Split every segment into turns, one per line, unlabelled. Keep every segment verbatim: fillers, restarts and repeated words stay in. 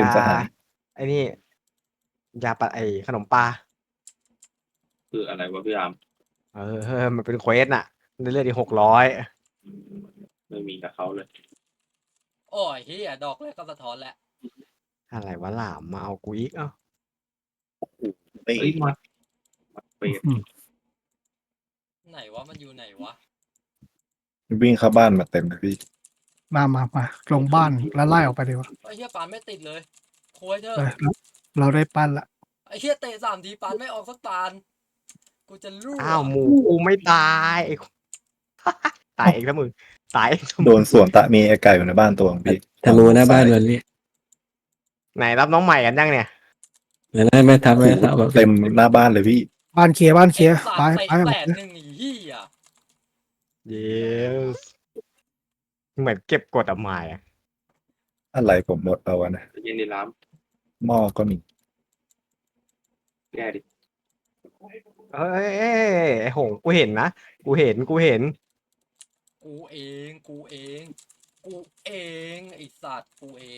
สหาย
ไอ้นี่ยาปะไอขนมปลา
คืออะไรวะพี่อาม
เออมันเป็นเควสน่ะได้เลือดอีกหกร้อย
ไม่มีกับเขาเลย
โอ้ยเฮียดอกแรกก็สะท้อนแล้ว
อะไรวะหลามมาเอากูอีกเอ้า
เฮ้ย
เฮ้ยมามาเปรต
ไหนวะมันอยู่ไหนวะ
วิ่งเข้าบ้านมาเต็มเลยพี่
มามามาลงบ้านแล้วไล่ออกไปดีกว่า
ไอ้เฮียปานไม่ติดเลยโคุยเถอะ
เออเราได้ปั้นละ
ไอ้เฮียเตะสามทีปานไม่ออกสักปานกูจะรู้
อ้าวหมูกูไม่ตายไอ้ ตายเองแล้วมึงตายเองซะมึง
โดนสวนตะมีไอไก่อยู่ในบ้านตัวของพี่
ธนูหน้าบ้านวันนี้
ไหนรับน้องใหม่กันยังเนี่ย
แล้วนั่นไม่ทำไม่ทำแบบ
เต็มหน้าบ้านเลยพี่
บ้านเคลียร์บ้านเคลียร์
ไอ้
ไป
สัตว์
ไป
เตะแสนหนึ่งไอ้เฮีย
เยสเหมือนเก็บกดอะหมายอะ
อะไรผมหมดเอาวะนะ
เย็นในร้าน
หม้อก็มี
แก้ดิ
เอ้ยเอ้ยไอ้หงกูเห็นนะกูเห็นกูเห็น
กูเองกูเองกูเองไอ้สัตว์กูเอง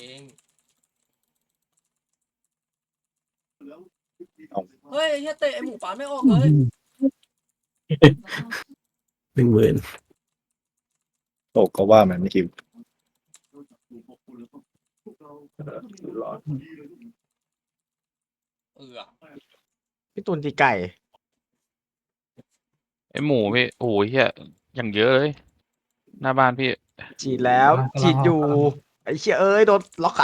เอา
เฮ้ยไอ้เฮียเตะไอ้หมูปานไม่ออกเลย
หนึ่งหมื่น
ตกก็ว่ามันไม่คิว
ร้อน
เออ
พี่ตุนตีไก่
ไอหมูพี่โอ้โหเฮียอย่างเยอะเลย หน้าบ้านพี่
ฉีดแล้วฉีดอยู่ไอ้เชี่ยเอ้ยโดนล็อกขา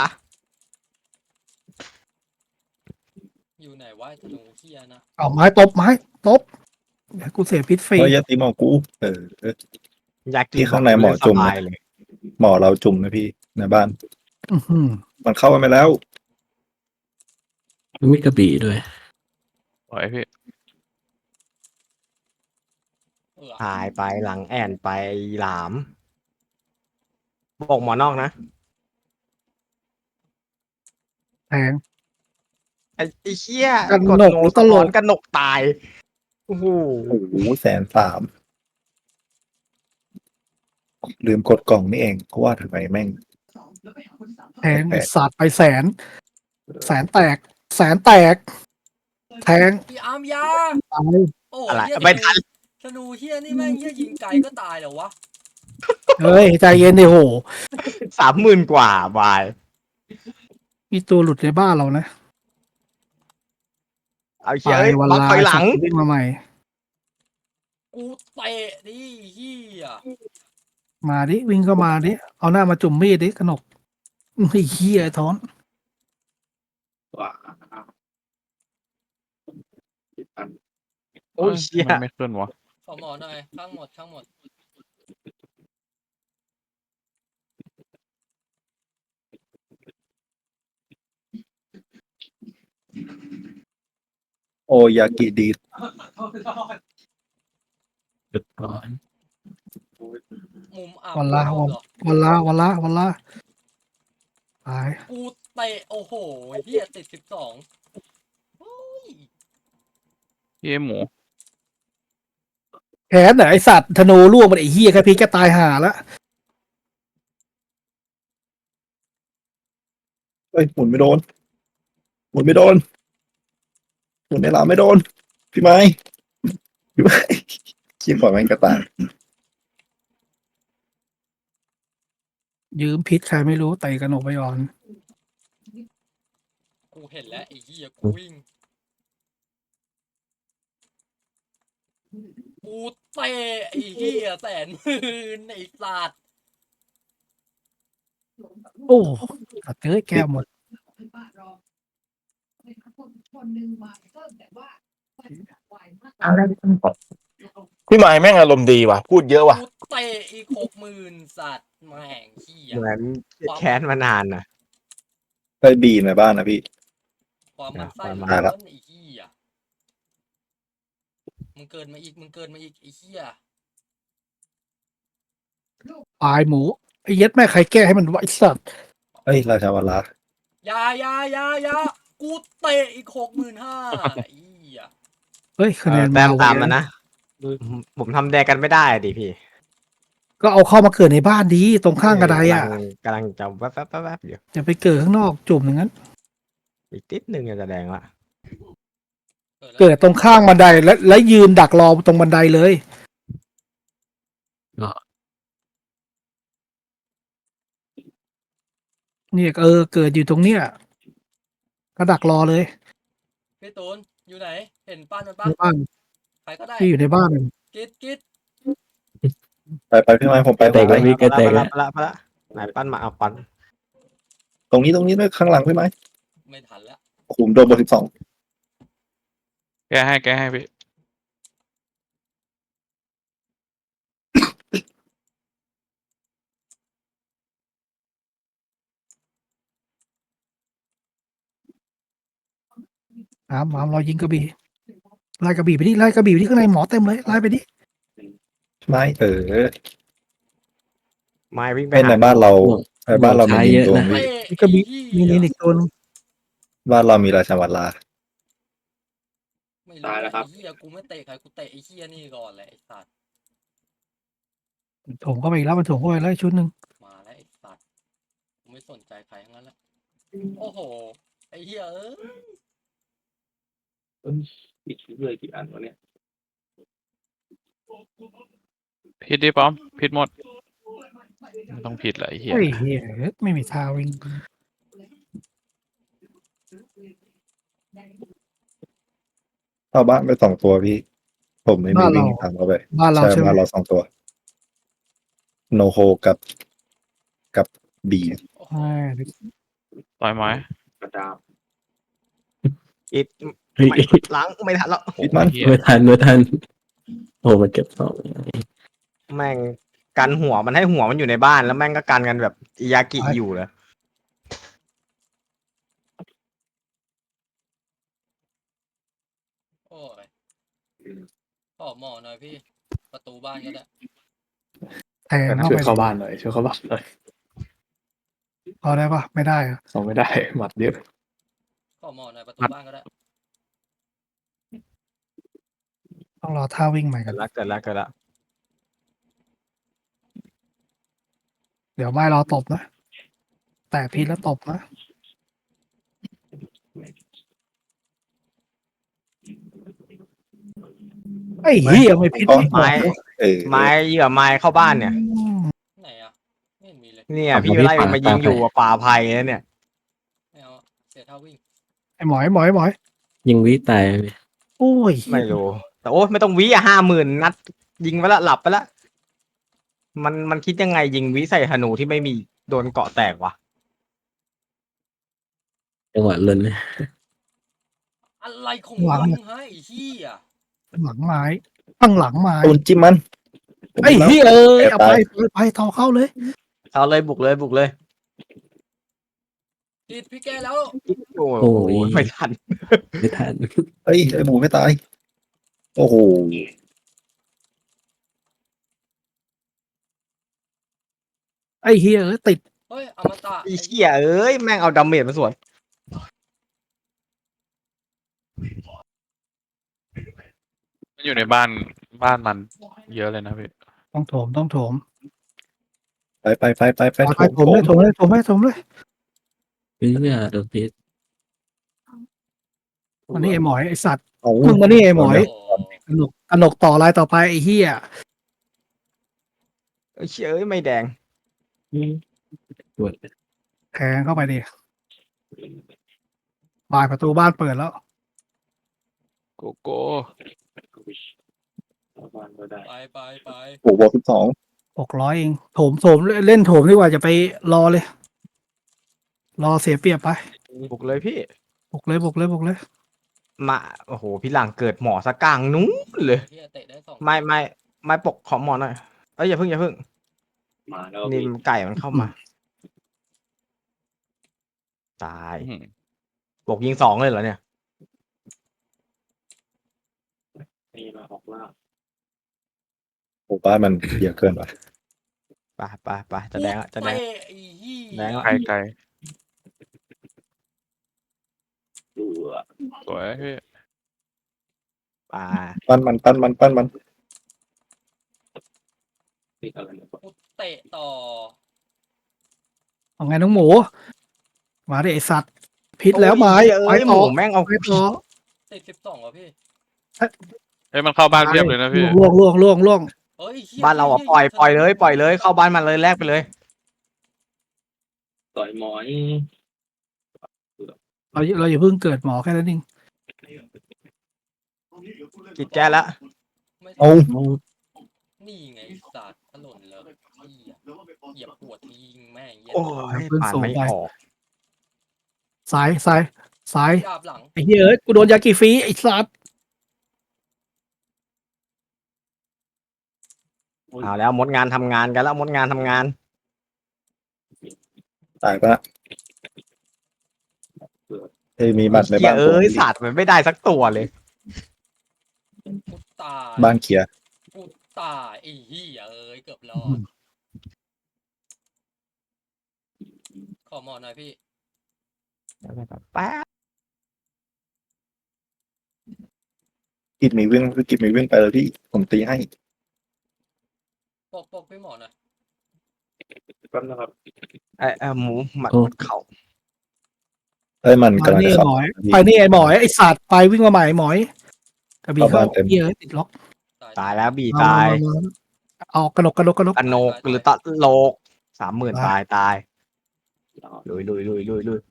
อยู่ไหนวะไอ้ธนูเฮียนะ
เอาไม้ตบไม้ตบเดี๋ยวกูเสียพิษฟรี
เฮ้ยอยาตีหมอกูเออเออ
อยากกิน
ที่ข้างในหมอจุ่ม
ส
นะ
บายเลย
หมอเราจุ่มนะพี่ในบ้าน
อื้อหือ
มันเข้ากันไปแล้ว
มีกระบี่ด้วย
ปล่อยพี่
เออ
หายไปหลังแอนไปหลามบอกหมอนอกนะ
แทง
ไอ้ไอ้เชี่ย
กัน
กด
หนก
โน
หรือ
ส
ตลก
กันหนกตายโอ้โห
โอ้โหแสนสามลืมกดกล่องนี่เองเพราะว่าทำไมแม่ง
แทงไอ้สัตว์ไปแสน แสนแตก แสนแตก แทง
พี่อาร์มยา
ตาย
โอ้
อะไร
เฮีย
ไม่ทัน
ธนูเฮียนี่แม่งเฮียยิงไกลก็ตายเหรอวะ
เฮ้ยใจเย็นดิโห
สามหมื่นกว่าบาย
มีตัวหลุดในบ้านเรานะ
เอา
ไป
เชี่ยเอ้ย
วัน
ล็อก
ลา
ถอยหลัง
วิ่งมาใหม่
กูเตะดิเฮีย
มาดิวิ่งเข้ามาดิเอาหน้ามาจุ่มมีดดิกนกไอ้เหี้ยไอ้ท้อน
ว่าอัน
โอ้ยเชี่ย
มันไม่ขึ้นวะ
ขอหมอหน่อยข้างหมดข้างหมด
โอยากิดี
จุดก่อน
มุมอับ
วันละ
เหร
วัน
อ
วันละวันละวันละตาย
กูเตะโอ้โหเฮียติดสิบสองโอ้ย
พี่ไอหมู
แขนไหนไอสัตว์ธนูล่วงมันไอ้เหี้ยแค่พีแกตายห่าละ
เอ้ยหมุนไม่โดน หมุนไม่โดน หมุนในลาไม่โดน พี่ไม้พี่ไม้ขี้ปล่อยแม่งกระต่าย
ยืมพิษใครไม่รู้ไต่กระหนกไปก่อน
กูเห็นแล้วไอ้เฮียกูวิ่งกูเตะไอ้เฮียแสนหมื่นไอ้สัตว์
โอ้ตัดเอ้ยแก้วหมด
พี่หมายแม่งอารมณ์ดีว่ะ พูดเยอะว่ะ
กูเตะอีกหกหมื่นสัตว์แม่งเฮีย
เหมือนแค้นมานานนะ
ไปบีในบ้านนะพี่
ความมันไส้
อ่ะ
มัน
มาละ
ล้นไอ้เฮียมึงเกินมาอีกมึงเกินมาอีกไอ้เฮีย
ปลายหมูไอ้เย็ดแม่ใครแก้ให้มันไวะไอ้สัตว์
เอ้ยราชาวลา
อยาอยาอยาอยากูเตะอีกหกหมื่นห้าไอ้เฮีย
เฮ้ยคะแนน
แต้ม
ไว
ตามมันนะผมทำแดงกันไม่ได้ดิพี่
ก็เอาเข้ามาเกิดในบ้านดีตรงข้างกระไดอ่ะ
กำลังกำลังจะแวบๆๆๆอยู่
อย่าไปเกิดข้างนอกจุ่มอย่างนั้น
อีกติดหนึ่งจะแดงละ
เกิดตรงข้างบันไดและและยืนดักรอตรงบันไดเลย
ก็
เนี่ยเออ เกิดอยู่ตรงเนี้ยก็ดักรอเลย
พี่ตูนอยู่ไหน เห็นปั้นมันปะ
ในบ้าน
ใครก็ได้
ที่อยู่ในบ้าน
กิดกิด
ไปไปพี่ไม้ผมไป
แตก
ไป
แล้วพี่แกแตก
ไป
แล้
ละ
ว
ไปละไปละไหนปั้นมาเอาปั้น
ตรงนี้ตรงนี้ด้วยข้างหลังพี่ไม้
ไม่ทันแล้ว
โอ้โหโดนบทสิบสอง
แก้ให้แก้ให้พี่
ถามถามรอยิงกระบี่ไล่กระบี่ไปดิไล่กระบี่ไปที่ข้างในหมอเต็มเลยไล่ไปดิ
ไม้เออ
ไม้วิ่งไป
เป็นใน
หา
บ้านเราในบ้านเรามี
ใช้
ยิ
เย
ง
อะ
ตัว
นะ
พี่
เตะ
กระบี่
ไอ้
มี
เหี้ย
นี่อีกตัวนึง
บ้านเรามีราชวัลลา
ไม่รู้ไอ้เหี้ยกูไม่เตะใครกูเตะไอ้เหี้ยนี่ก่อนแหละไอ้สัตว์
โถมเข้าไปอีกแล้วมันโถมเข้าไปแล้วอีกชุดหนึ่ง
มาแล้วไอ้สัตว์กูไม่สนใจใครทั้งนั้นแหละโอ้โหไอ้เหี้ยเอ้ย
ปิดเลยกี่อันวะเนี่ย
ผิดดิป้อมผิดหมดไม่ต้องผิดแหละไอ้เหี้ย
เฮ้ยเหี้ยไม่มีทาวิ่ง
เข้าบ้านไปสองตัวพี่ ผมไม่มีวิ่งตามเข้าไป
บ้านเรา
ใช่
ใช่ไหม
บ้านเราสองตัว โนโฮกับกับบี
โอ้โห
ใช่
ต่อยไม้
กระดาม
อิด
เฮ้ย
ไม่ล้างไม่ทันแล้ว
ปิดมัน
เหี้ย
ไม่ทันไม่ทันโอ้มันเก็บสอง
แม่งกันหัวมันให้หัวมันอยู่ในบ้านแล้วแม่งก็กันกันแบบอิยากิอยู่เลย
โอ้ยขอหมอหน่อยพี่ ประตูบ้านก็ได้
แทงเข้า
ช่วย
ไป
เข้าบ้านหน่อยช่วยเข้าบ้านหน่อย
พอได้ปะไม่ได้อะ
เขาไม่ได้หมัดเยอะ
ขอหมอหน่อยประตูบ้านก็ได้
ต้องรอท่าวิ่งใหม่กั
เกิ
น
ดละเกิดละเกิดละ
เดี๋ยวไม่รอตบนะ แต่พีทแล้วตบนะไอ้เหี้ยไม่พีทไม่ตบ
ไม้
เออ
ไม้เหยื่อไม้เข้าบ้านเนี่ย
ไหนอ่ะไม่เห็นมีเลย
เนี่ยพี่ไล่มันมายิงอยู่กับป่าไผ่แล้วเนี่ย
ไม่เอาอะเสียท่าวิ่ง
ไอ้หมอยหมอยหมอย
ยิงวิตายพี่
โอ้ย
ไม่รู้แต่โอ้ไม่ต้องวิอ่ะห้าหมื่นนัด ยิงไปละหลับไปละมันมันคิดยังไงยิงวิใส่ธนูที่ไม่มีโดนเกาะแตกวะ
จังหวะเล่นเลย
อะไรของมึงฮะไอ้เหี้ย
หลังไม้ตั้งหลังไม้
ตูนจิ้มมัน
ไอ้เหี้ยเอ้ย
แอบ
เอาไป
ตาย
ไปไปต่อเข้าเลย
เอาเลยบุกเลยบุกเลย
กิดพี่แกแล้ว
โอ้โหไม่ทัน
ไม่ทัน
เฮ้ยไอ้หมูไม่ตาย โอ้โห
ไอ้เหี้ยเอ้ยติด
เฮ้ยอมตะ
ไอ้เหี้ยเอ้ยแม่งเอาดาเมจมาสวน
มันอยู่ในบ้านบ้านมันเยอะเลยนะพี่
ต้องโถมต้องโถม
ไปไปไปไปไป
ไปโถมเลยโถมเลยโถมเลยโถมเลย
พี่เนี่ยโดนพิษ
วันนี้ไอ้หมอยไอ้สัตว์
เอา
มึงมานี่ไอ้หมอย
โอ้
กนกกนกต่อลายต่อไปไอ้เหี้ย
ไอ้เหี้ยเอ้ยไม่แดง
ปวด
แทงเข้าไปดิบายประตูบ้านเปิดแล้ว
โกโก้
เข้าบ้านก็ได้
ไปไปไป
โอ้โหบวกสิบสอง
หกร้อยเองโถมโถมเล่นโถมดีกว่าจะไปรอเลย รอเสียเปรียบไป
บุกเลยพี่
บุกเลยบุกเลยบุกเลย
มาโอ้โหพี่หลังเกิดหมอสะกลางนู้นเลย
เหี้ยเตะได้สอง
ไม่ไม่ไม่ปกขอหมอหน่อยเอ้ยอย่าเพิ่งอย่าเพิ่ง
มาแล้ว
นี่
พี่
มันไก่มันเข้ามา ตาย
อื้อหือ
ปกยิงสองเลยเหรอเนี่ย
นี่มาออกล่า
โอ้บ้านมันเยอะเกินไป
ไปไปไปจะแดงละจะแดง
เตะไอ้เหี้ย
แดงละ
ไกลไกล
ดูอะ
สวยพี่
ไป
ปั้นมันปั้นมันปั้นมัน
ติดอะไรเนี่ย
กูเตะต่อ
เอาไงน้องหมู มาดิไอสัตว์พิษแล้วไม้
โอ้ย
ไม้
เอ้ยห
ต่
มู
อ
แม่งเอา
ไม้ต่อ
ติดสิบสองอ่ะพี่
เอ้ยมันเข้าบ้านเพียบเลยนะพี่
ล่วงล่วงล่วงล่วง
เฮ้ยหี้ย
บ้านเราอ่ะ
หี้
ปล่อย
หี้
ปล่อยเลยปล่อยเลยเข้าบ้านมันเลยแลกไปเลย
ต่อยหมอย
เราเราอย่าเพิ่งเกิดหมอแค่นั้นเอง
กิดแก้แล้ว
ไม่
เอา
นี่ไงไอ้สัตว์ถล่นเลยเหี้ยเหยียบหัวทิ้งแม่งเหี้ย
โอ้ยป่านไม่ออก
ซ้ายซ้ายซ้าย
ดาบหลัง
ไอ้เหี้ยเอ้ยกูโดนยากิฟรีไอ้สัตว์
เอาแล้วมดงานทำงานกันแล้วมดงานทำงาน
ตายปะเอ้ยมีบัตรใน
เหี้ย
บ้าน
เอ้ยศาสตร์มันไม่ได้สักตัวเลย
กูตาย
บ้านเคลียร์
กูตายไอ้เหี้ยเอ้ยเกือบรอดขอหมอหน่อยพี่
แป๊บ
กิดมีวิ่งกิดมีวิ่งไปเลยพี่ผมตีให้
ปกปกพี่หมอหน่อย
แป๊บนะครับ
ไอ้ไอ้หมูหมัด
โอ้
เข่า
เอ้ยมัน
ไป
กำลัง
นี่
จะ
ไอ้
เข้า
หมอยไปนี่ไอ้หมอยไอ้สัตว์ไปวิ่งมาใหม่ไอ้หมอยกระบี่
เข้า
เข้า
บ้านเต็ม
เหี้ยเอ้ยติดล็อก
ตายแล้วบี
เอ
ตาย
เอเอากระดกกระดกกระดก
กระโนกหรือตะโลกสามหมื่นตายตายลุยลุยลุยลุยลุย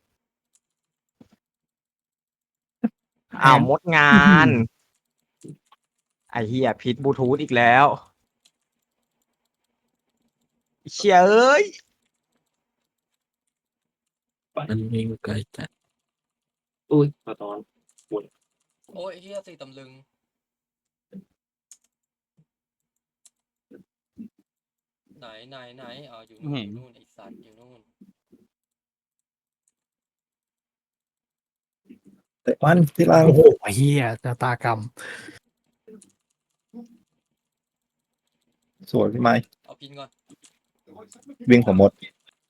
อ้าวมดงาน ไอ้เหี้ยพิษบลูทูธอีกแล้วเชี่ยเอ้ย
มันวิ่งไกลจัด
อุ้ยสะตอน
โอ้ยไอ้เหี้ยสี่ตำลึงไหนไหนไหนอ๋ออยู่นู่นอยู่นู่นไอ้สัตว์อยู่นู่น
เตะมันที่ล่าง
โอ้โหเหี้ยจะตากรรม
สวยพี่ไม้
เอาพินก่อน
วิ่งผมหมด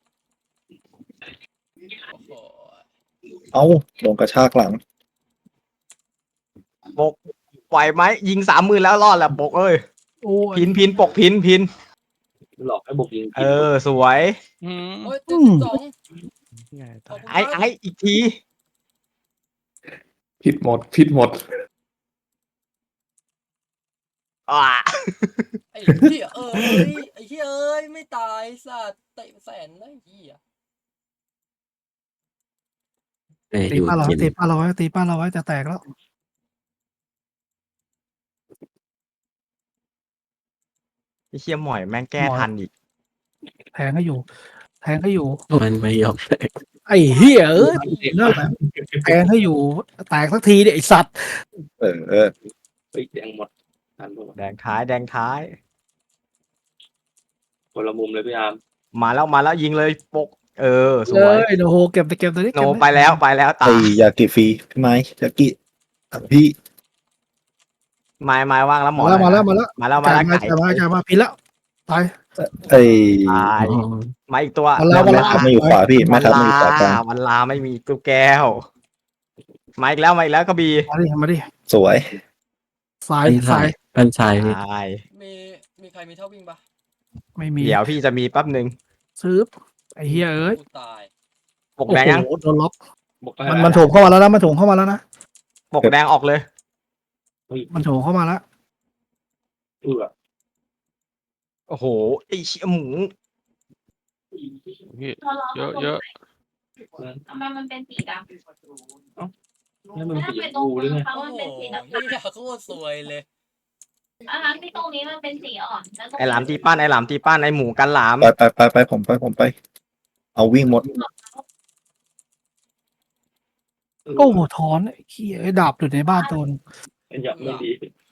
โอ้โห
เอ้าลงกระชากหลัง
ปกไหวไหมยิงสามหมื่นแล้วรอดแหละปกเอ้ย
โอ้ย
พินพินปกพินพิน
หลอกให้บุกยิง
เออ สวย
อืม
โอ้ยเจ็ดสิบสองขอบคุณ
ไอ้
ครับ
ไอ้อีกที
ผิดหมดผิดหมด
อ่า
ไอ้เหี้ยเอ้ยไอ้เหี้ยเอ้ยไม่ตายสัตว์เตะแสนนะไอ้เหี้ย
แต่
ตี
อยู่
ป้าเรา
กิ
ไว้
น
ตีป้าเราไว้ตีป้าเราไว้จะแตกแล้ว
ไอ้เชี่ยหมอยแม่งแก้ทันอีก
แทงให้อยู่ แทงให้อยู่
มันไม่ยอมแตก
ไอ้เหี้ยเอ้ยนั่นแหละแทงให้อยู่ แตกสักทีเดี๋ยไอ้สัตว์
เออเออ
เฮ้ยแดงหมดทันปะวะ
แดงท้ายแดงท้าย
คนละมุมเลยพี่อาร์ม
มาแล้วมาแล้วยิงเลยปก เออ ส
เล
วย
ยโอ้โหเก็บไปเก็บตัวนี้
โน
เก็บ
ไปแล้วไปแล้วตา
ไอ้
ย
ยากิฟรีพี่ไม้ยากิอ่ะพี่
ไม้ไม้ว่างแล้วหมอ
มาแล้วมาแล้วมาแล้ว
มาแล้วมา
จ่าย
แล้ว
มา
ไก่
จ่ายมาจ่ายมาพินแล้วตาย
ไอ้
ตาย
อ๋อ
มาอีกตัว
มาแล้วมา
แม่
แล้ว
ทัพไม่อยู่ขวาพี่แม่ทัพไม่อยู่ขวากลาง
วันลาไม่มีตัวแก้ว มาอีกแล้วมาอีกแล้วกระบี่
มาดิมาดิ
สวย
สาย
เป็น
สา
ชาย ยเป็นชายพี่
ตาย
มีมีใครมีเท่าวิ่งปะ
ไม่มี
เดี๋ยวพี่จะมีแป๊บหนึ่ง
ซื้อไอ้เหี้ยเอ้ย
กูตาย
ปกแดงยัง
โอ้โหโดนล็อก
บอกได้
มันมันโถมเข้ามาแล้วนะมันโถมเข้ามาแล้วนะ
ปกแดงออกเลย
มันโถมเข้ามาแล้ว
เออ
โอ้โหไอ้เชี่ยหมู
พี่เยอะเยอะ
ทำไมมันเป็นสีดำ
นี่มัน
ถ้า
สี
ไป
ช
ตร
ม
ง
พูหรือไง
เขา
โอ้
มัน
โห
เป็นสีน้ำ
เหี้ยโคตรสวยเลย
อ่ะที่ตรงนี้มันเป็นสีอ่อนแล้วตรง
ไอ้หลามตีป้านไอ้หลามตีป้านไอ้หมูกันหลาม
ไปไปไปไปผมไปผมไป เอาวิ่งหมด
โอ้โหถอนไอ้เหี้ยไอ้ดาบอยู่ในบ้านโดน
อย่าไม่ดี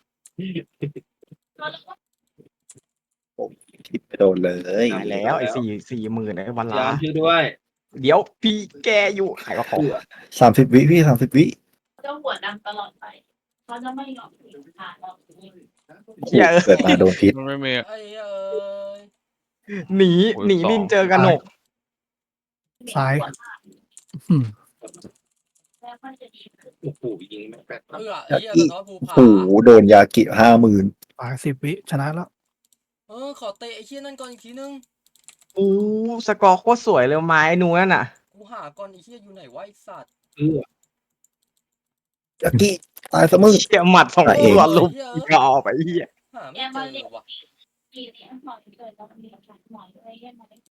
คิดไปโดนเลย
ตายแล้วไอ้สี่สี่หมื่นไอ้วัน
ยา
ลาม
ช่วยด้วย
เดี๋ยวพี่แกอยู่ขายกระของ
สามสิบวิพี่สามสิบวิ
เจ้าหัวดำตลอดไปเขาจะไม่ยอมสีขาดหรอก
เชี่ยเอ้ย
เกิดมาโดนพิษ
มันไม่มี
ไอ้เอ้ย
หนี
โอ้ย
หนี
สอง
นินเจอกระหนก
ซ้าย อืม
แล้วมันจะดีขึ้น
โอ้โหยิงแม่งแปด
เอื้อไอ้เหี้ยสะท้อนภูผา
โอ้โหโดนยากิห้าหมื่น
ปลายสิบวิชนะแล้ว
เออขอเตะไอ้เหี้ยนั่นก่อนอีกทีนึง
อู้สกอร์โคตรสวยเลยไม้นูนั่นน่ะ
กูหาก่อนไอ้เหี้ยอยู่ไหนวะไอ้สัตว์
เออ
ยักกี้ตายซะมึง
เชี่ยหมัดสอง
ตายเอง
ตัวลุมยาวไปเหี้ย
หาไม่เจอว่ะ
กี่เหรียญหน่อยเกิดเรามีหลักฐานหน่อยอะไรเงี้ย